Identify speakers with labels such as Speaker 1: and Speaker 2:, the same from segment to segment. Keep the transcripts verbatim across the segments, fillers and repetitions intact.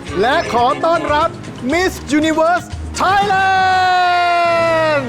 Speaker 1: และขอต้อนรับ Miss Universe Thailand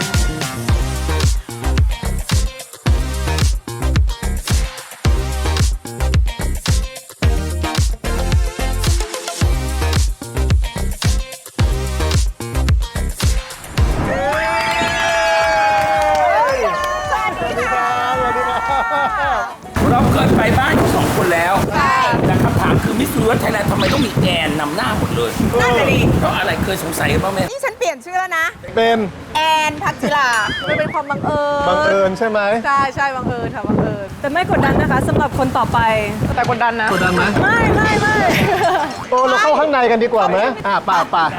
Speaker 2: เราเคยไปบ้านเขาสองคนแล้วแต่คำถามคือมิสยูนิเวิร์สไทยแลนด์ทำไมต้องมีแอนนำหน้าหมดเลยนั่นเลยดิเพราะอะไรเคยสงสัยกันบ้างไหม
Speaker 3: นี่ฉันเปลี่ยนชื่อแล้วนะ
Speaker 1: เป็น
Speaker 3: แอนพักจิรามันเป็นความบังเอิญ
Speaker 1: บังเอิญใช่ไหม
Speaker 3: ใช่ใช่บังเอิญค่ะบังเอิญ
Speaker 4: แต่ไม่กดดันนะคะสำหรับคนต่อไป
Speaker 3: แต่กดดันนะ
Speaker 1: กดดันไหม
Speaker 4: ไม่ไม่ไม่
Speaker 1: โอ้เราเข้าข้างในกันดีกว่าไหมอ่ะป่าป่า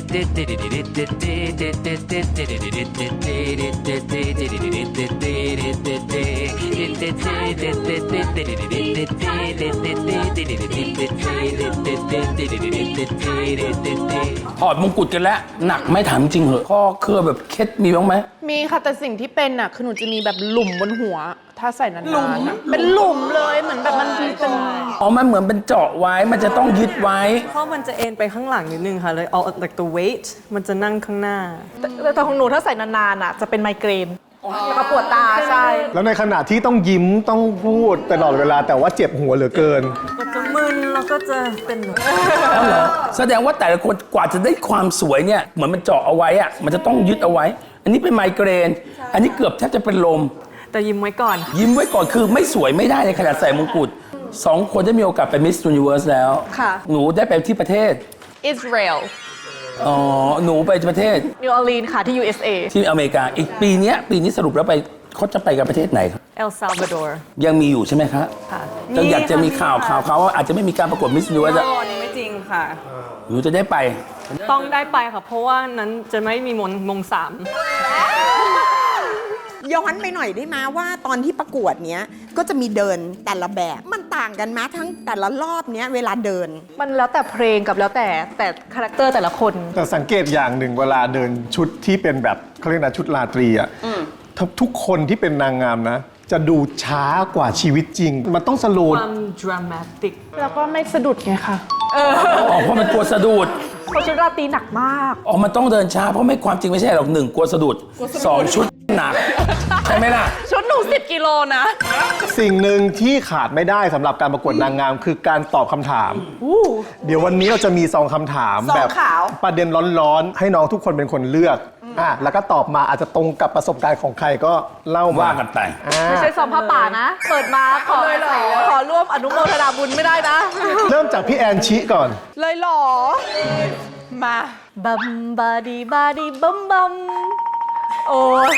Speaker 2: ถอดมงกุฎกันแล้วหนักไม่ถามจริงเหรอข้อเครือแบบเคล็ดมีบ้างไหม
Speaker 5: มีค่ะแต่สิ่งที่เป็นอ่ะคือหนูจะมีแบบหลุมบนหัว ถ้าใส่นานๆอะเป็นหลุมเลยเหมือนแบบมันเป็น
Speaker 2: อ๋อมันเหมือนเป็นเจาะไว้มันจะต้องยึดไว้
Speaker 4: เพราะมันจะเอ็นไปข้างหลังนิดนึงค่ะเลย all like the weight มันจะนั่งข้างหน้า
Speaker 3: แต่แต่ของหนูถ้าใส่นานๆอ่ะจะเป็นไมเกรนแล้วก็ปวดตาใช่
Speaker 1: แล้วในขณะที่ต้องยิ้มต้องพูดตลอดเวลาแต่ว่าเจ็บหัวเหลือเกิน
Speaker 4: ก็จะมึนแล้วก็จะเป็นแบบ
Speaker 2: อ๋อเหรอแสดงว่าแต่ละคนกว่าจะได้ความสวยเนี่ยเหมือนมันเจาะเอาไว้อะมันจะต้องยึดเอาไว้ อันนี้เป็นไมเกรน อันนี้เกือบแทบจะเป็นลม
Speaker 4: แต่ยิ้มไว้ก่อน
Speaker 2: ยิ้มไว้ก่อนคือไม่สวยไม่ได้ในขนาดใส่มงกุฎสองคนได้มีโอกาสไปมิส s u นิเวิร์สแล้ว
Speaker 4: ค่ะ
Speaker 2: หนูได้ไปที่ประเทศ
Speaker 5: อิสราเอล
Speaker 2: อ๋อหนูไปประเทศ
Speaker 3: นิวออร์ลีนค่ะที่ ยู เอส เอ
Speaker 2: ที่อเมริกาอีกปีเนี้ยปีนี้สรุปแล้วไปเขาจะไปกับประเทศไหนครับ
Speaker 4: El Salvador
Speaker 2: ยังมีอยู่ใช่ไหมคะ
Speaker 4: ค่ะ
Speaker 2: จะอยากจะมีข่าวข่าวเขาว่าอาจจะไม่มีการประกวดมิส s u นิเวิร์ส
Speaker 4: โอ้นี่ไม่จริงค่ะ
Speaker 2: หนูจะได้ไป
Speaker 4: ต้องได้ไปค่ะ เพราะว่านั้นจะไม่มีมงมงสาม
Speaker 6: ย้อนไปหน่อยได้ไหมว่าตอนที่ประกวดเนี้ยก็จะมีเดินแต่ละแบบมันต่างกันไหมทั้งแต่ละรอบเนี้ยเวลาเดิน
Speaker 3: มันแล้วแต่เพลงกับแล้วแต่แต่คาแรคเตอร์แต่ละคน
Speaker 1: แต่สังเกตอย่างหนึ่งเวลาเดินชุดที่เป็นแบบเขาเรียกนะชุดราตรีอ่ะทุกคนที่เป็นนางงามนะ จะดูช้ากว่าชีวิตจริง มันต้องสโล
Speaker 4: ค
Speaker 1: ว์
Speaker 4: วาม dramatic
Speaker 5: แล้วก็ไม่สะดุดไงค่ะ
Speaker 2: อ๋อเพราะมันกลัวสะดุด
Speaker 3: เพราะชุดราตรีหนักมาก
Speaker 2: อ๋อมันต้องเดินช้าเพราะไม่ความจริงไม่ใช่หรอกหนึ่งกลัวสะดุดสองชุดหนักใช่ไหมล่ะ
Speaker 5: ชุดหนูสิบกิโลนะ
Speaker 1: สิ่งหนึ่งที่ขาดไม่ได้สำหรับการประกวดนางงามคือการตอบคำถาม เดี๋ยววันนี้เราจะมีซองคำถาม
Speaker 6: ซอง
Speaker 1: แบบ
Speaker 6: ขาว
Speaker 1: ประเด็นร้อนๆ ให้น้องทุกคนเป็นคนเลือกอ่ะแล้วก็ตอบมาอาจจะตรงกับประสบการณ์ของใครก็เล่ามา
Speaker 2: ว่ากันไป
Speaker 1: อ่า
Speaker 3: ไม่ใช่ซองผ้าป่านะ เปิดมาขอขอร่วมอนุโมทนาบุญไม่ได้นะ
Speaker 1: เริ่มจากพี่แอนชิก่อน
Speaker 5: เลยเหรอ มา
Speaker 3: บัมบาดีบาดีบัมบัมโอ้ย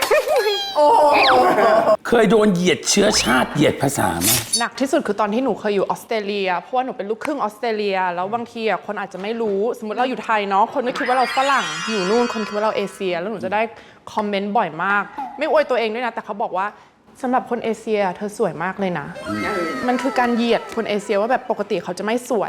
Speaker 2: เคยโดนเหยียดเชื้อชาติเหยียดภาษาไหม
Speaker 5: หนักที่สุดคือตอนที่หนูเคยอยู่ออสเตรเลีย เพราะว่าหนูเป็นลูกครึ่งออสเตรเลีย แล้วบางทีอ่ะคนอาจจะไม่รู้ สมมติเราอยู่ไทยเนาะ คนก็คิดว่าเราฝรั่ง อยู่นู่น คนคิดว่าเราเอเชีย แล้วหนูจะได้คอมเมนต์บ่อยมาก ไม่อวยตัวเองด้วยนะ แต่เขาบอกว่าสำหรับคนเอเชียเธอสวยมากเลยนะ มันคือการเหยียดคนเอเชียว่าแบบปกติเขาจะไม่สวย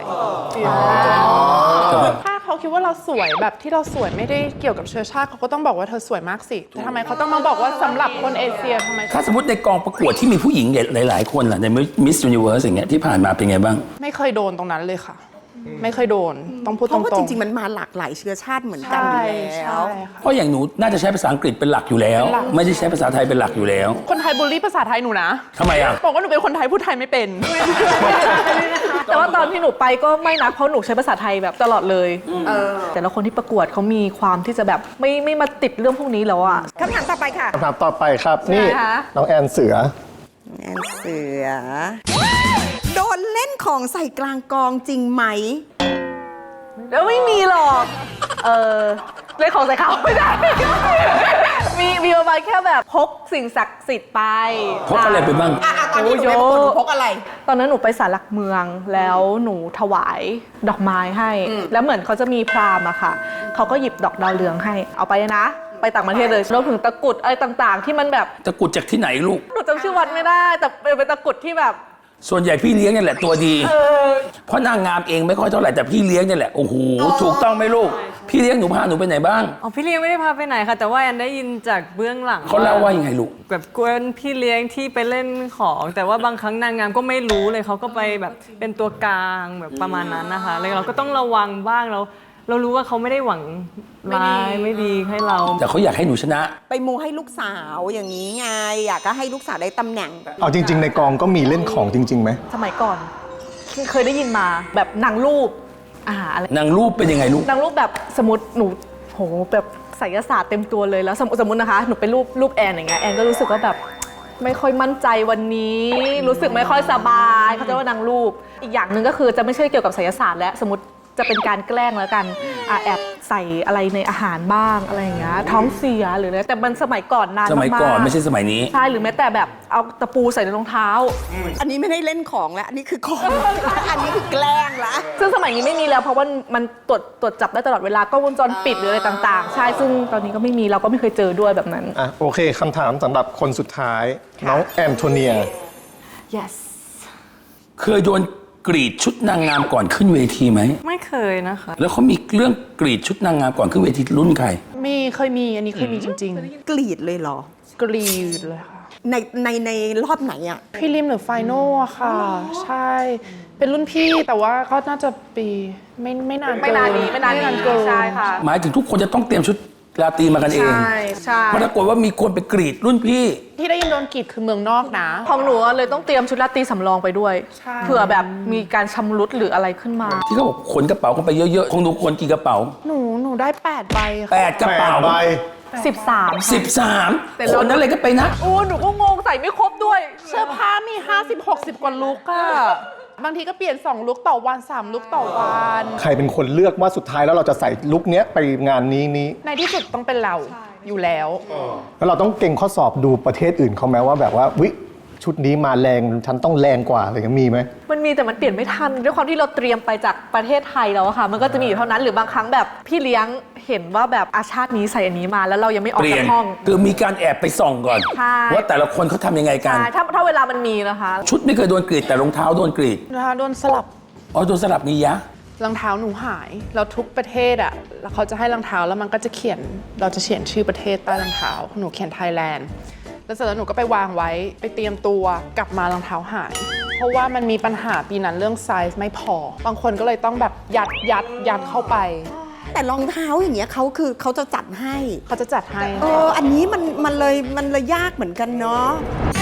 Speaker 5: ถ้าเขาคิดว่าเราสวยแบบที่เราสวยไม่ได้เกี่ยวกับเชื้อชาติเขาก็ต้องบอกว่าเธอสวยมากสิแต่ทำไมเขาต้องมาบอกว่าสำหรับคนเอเชียทำไม
Speaker 2: ถ้าสมมติในกองประกวดที่มีผู้หญิงหลาย ๆ คนล่ะในมิส s u นิเวิร์สอย่างเงี้ยที่ผ่านมาเป็นไงบ้าง
Speaker 5: ไม่เคยโดนตรงนั้นเลยค่ะ ไม่เคยโดนต้องพูด
Speaker 6: เพ
Speaker 5: ตร
Speaker 6: ราะว่าจ
Speaker 5: ง
Speaker 6: ริง ๆ มันมาหลากหลายเชื้อชาติเหมือนกัน
Speaker 5: ใช่
Speaker 6: อยู่แล้
Speaker 5: ใช่
Speaker 6: ว
Speaker 5: ค่ะ
Speaker 2: เพราะอย่างหนูน่าจะใช้ภาษาอังกฤษเป็นหลักอยู่แล้ว ไม่ได้ใช้ภาษาไทยเป็นหลักอยู่แล้ว
Speaker 5: คนไทยบูลลี่ภาษาไทยหนูนะ
Speaker 2: ทำไมอ่ะ
Speaker 5: บอกว่าหนูเป็นคนไทยพูดไทยไม่เป็น
Speaker 3: แต่ว่าตอนที่หนูไปก็ไม่นะเพราะหนูใช้ภาษาไทยแบบตลอดเลยแต่ละคนที่ประกวดเขามีความที่จะแบบไม่ไม่มาติดเรื่องพวกนี้แล้วอ่ะ
Speaker 6: คำถามต่อไปค่ะ
Speaker 1: คำถามต่อไปครับนี่
Speaker 3: ใช่ไหมคะ
Speaker 1: น้องแอนเสือ
Speaker 6: แอนเสือ โดนเล่นของใส่กลางกองจริงไหม
Speaker 3: แล้วไม่มีหรอก เออเล่นของใส่เขาไม่ได้ มีมีประมาณแค่แบบพกสิ่งศักดิ์สิทธิ์ไป
Speaker 2: พกอะไรไปบ้าง
Speaker 6: อ่ะอ่ะตอนที่หนูไปประกวดหนูพกอะไร
Speaker 3: ตอนนั้นหนูไปศาลหลักเมืองแล้วหนูถวายดอกไม้ให้ แล้วเหมือนเขาจะมีพราหมณ์อะค่ะ เขาก็หยิบดอกดาวเรืองให้ เอาไปนะ ไปต่างประเทศเลยรวมถึงตะกรุดอะไรต่างๆ ที่มันแบบ
Speaker 2: ตะกรุดจากที่ไหนลูก
Speaker 3: หนูจำชื่อวัดไม่ได้ แต่เป็นตะกรุดที่แบบ
Speaker 2: ส่วนใหญ่พี่เลี้ยงเนี่ยแหละตัวดี เพราะนางงามเองไม่ค่อยเท่าไหร่แต่พี่เลี้ยงเนี่ยแหละโอ้โหถูกต้องไหมลูกพี่พี่เลี้ยงหนูพาหนูไปไหนบ้าง
Speaker 4: อ๋อพี่เลี้ยงไม่ได้พาไปไหนค่ะ แต่ว่าแอนได้ยินจากเบื้องหลัง
Speaker 2: เขาเล่าว่ายังไงลูก
Speaker 4: แบบกวนพี่เลี้ยงที่ไปเล่นของ แต่ว่าบางครั้งนางงามก็ไม่รู้เลยเขาก็ไปแบบเป็นตัวกลางแบบประมาณนั้นนะคะแล้วเราก็ต้องระวังบ้างเราเรารู้ว่าเขาไม่ได้หวังร้ายไม่ดีให้เรา
Speaker 2: แต่เขาอยากให้หนูชนะ
Speaker 6: ไปมูให้ลูกสาวอย่างนี้ไง อยากก็ให้ลูกสาวได้ตำแหน่ง
Speaker 1: เอาจริง ๆ ในกองก็มีเล่นของจริงๆไหม
Speaker 3: สมัยก่อนเคยได้ยินมาแบบนางรูปอ่าอะไร
Speaker 2: นางรูปเป็นยังไงลูก
Speaker 3: นางรูปแบบสมมติหนูโหแบบไสยศาสตร์เต็มตัวเลยแล้วสมมติสมมตินะคะหนูไปรูปรูปแอนอย่างเงี้ยแอนก็รู้สึกว่าแบบไม่ค่อยมั่นใจวันนี้ รู้สึกไม่ค่อยสบายเขาจะว่านางรูปอีกอย่างหนึ่งก็คือจะไม่ใช่เกี่ยวกับไสยศาสตร์และสมมติจะเป็นการแกล้งแล้วกันอ่ะแอบใส่อะไรในอาหารบ้างอะไรอย่างเงี้ยท้องเสียหรืออะไรแต่มันสมัยก่อนนาน
Speaker 2: สมัย
Speaker 3: มากๆ
Speaker 2: ก่อนไม่ใช่สมัยนี้
Speaker 3: ใช่หรือแม้แต่แบบเอาตะปูใส่ในรองเท้า
Speaker 6: อันนี้ไม่ได้เล่นของแล้ว อันนี้คือของ อันนี้คือแกล้งละ
Speaker 3: ซึ่งสมัยนี้ไม่มีแล้วเพราะว่ามันตรวจตรวจจับได้ตลอดเวลากล้องวงจรปิดหรืออะไรต่างๆ ใช่ซึ่งตอนนี้ก็ไม่มีเราก็ไม่เคยเจอด้วยแบบนั้น
Speaker 1: อ่ะโอเคคำถามสำหรับคนสุดท้าย น้องแอนโทเนีย
Speaker 3: yes
Speaker 2: เคยโดนกรีดชุดนางงามก่อนขึ้นเวทีไหม
Speaker 4: ไม่เคยนะคะ
Speaker 2: แล้วเขามีเรื่องกรีดชุดนางงามก่อนขึ้นเวทีรุ่นใคร
Speaker 5: มีเคยมีอันนี้เคยมีจริง
Speaker 6: กรีดเลยเหรอ
Speaker 5: ๆ กรีดเลยค่ะ
Speaker 6: ในในในรอบไหนอ่ะ
Speaker 5: พี่ริมหรือไฟนอลอะค่ะ ใช่ เป็นรุ่นพี่แต่ว่าก็น่าจะปีไม่ไม่นานเกิ
Speaker 3: ไม่นานนี้ไม่นานนี้
Speaker 5: เกิน
Speaker 3: ใช่ค่ะ
Speaker 2: หมายถึงทุกคนจะต้องเตรียมชุดราตรีมากันเอง
Speaker 3: ใช่ใช่
Speaker 2: ปรากฏว่ามีคนไปกรีดรุ่นพี่
Speaker 5: ที่ได้ยินโดนกรีดคือเมืองนอกนะ
Speaker 3: ของหนูอะเลยต้องเตรียมชุดราตรีสำรองไปด้วย
Speaker 5: ใช่
Speaker 3: เผื่อแบบมีการชำรุดหรืออะไรขึ้นมา
Speaker 2: ที่เขาบอกขนกระเป๋ากันไปเยอะๆของหนูขนกี่กระเป๋า
Speaker 5: หนูหนูได้แปดใบ
Speaker 2: แป
Speaker 5: ค่ะ
Speaker 2: ดกระเป๋า
Speaker 1: แปดใบ
Speaker 3: สิบสาม
Speaker 2: สิบสาม
Speaker 3: แต่
Speaker 2: ค
Speaker 3: เรา
Speaker 2: นอะไรก็ไปนะ
Speaker 3: โอ้หนูก็งงใส่ไม่ครบด้วย
Speaker 5: เสื้อผ้ามีห้าสิบ หกสิบกว่าลุกอะบางทีก็เปลี่ยนสองลุกต่อวันสามลุกต่อวัน
Speaker 1: ใครเป็นคนเลือกว่าสุดท้ายแล้วเราจะใส่ลุคเนี้ยไปงานนี้นี้
Speaker 5: ในที่สุดต้องเป็นเราอยู่แล้ว
Speaker 1: แล้วเราต้องเก่งข้อสอบดูประเทศอื่นเขาไหมว่าแบบว่าวิชุดนี้มาแรงฉันต้องแรงกว่าอะไรเงี้ยมีไหม
Speaker 3: มันมีแต่มันเปลี่ยนไม่ทันด้วยความที่เราเตรียมไปจากประเทศไทยแล้วอะค่ะ มันก็จะมีอยู่เท่านั้นหรือบางครั้งแบบพี่เลี้ยงเห็นว่าแบบอาชาตินี้ใส่อันนี้มาแล้วเรายังไม่ออก
Speaker 2: เปลี่ย
Speaker 3: จาน กห้อง
Speaker 2: คือมีการแอบไปส่องก่อน
Speaker 3: ใช่
Speaker 2: ว่าแต่ละคนเขาทำยังไงกัน
Speaker 3: ใช่ถ้าถ้าเวลามันมีนะคะ
Speaker 2: ชุดไม่เคยโดนกรีดแต่รองเท้าโดนกรีด
Speaker 5: นะคะโดนสลับ
Speaker 2: อ๋อโดนสลับมียะ
Speaker 5: รองเท้าหนูหายแล้วทุกประเทศอ่ะแล้วเขาจะให้รองเท้าแล้วมันก็จะเขียนเราจะเขียนชื่อประเทศใต้รองเท้าหนูเขียนไทยแลนด์แล้วเสร็จแล้วหนูก็ไปวางไว้ไปเตรียมตัวกลับมารองเท้าหาย เพราะว่ามันมีปัญหาปีนั้นเรื่องไซส์ไม่พอบางคนก็เลยต้องแบบยัดยัดยัดเข้าไป
Speaker 6: แต่รองเท้าอย่างเงี้ยเขาคือเขาจะจัดให้
Speaker 5: เขาจะจัดให้
Speaker 6: เออ อันนี้มันมันเลยมันเลยยากเหมือนกันเนาะ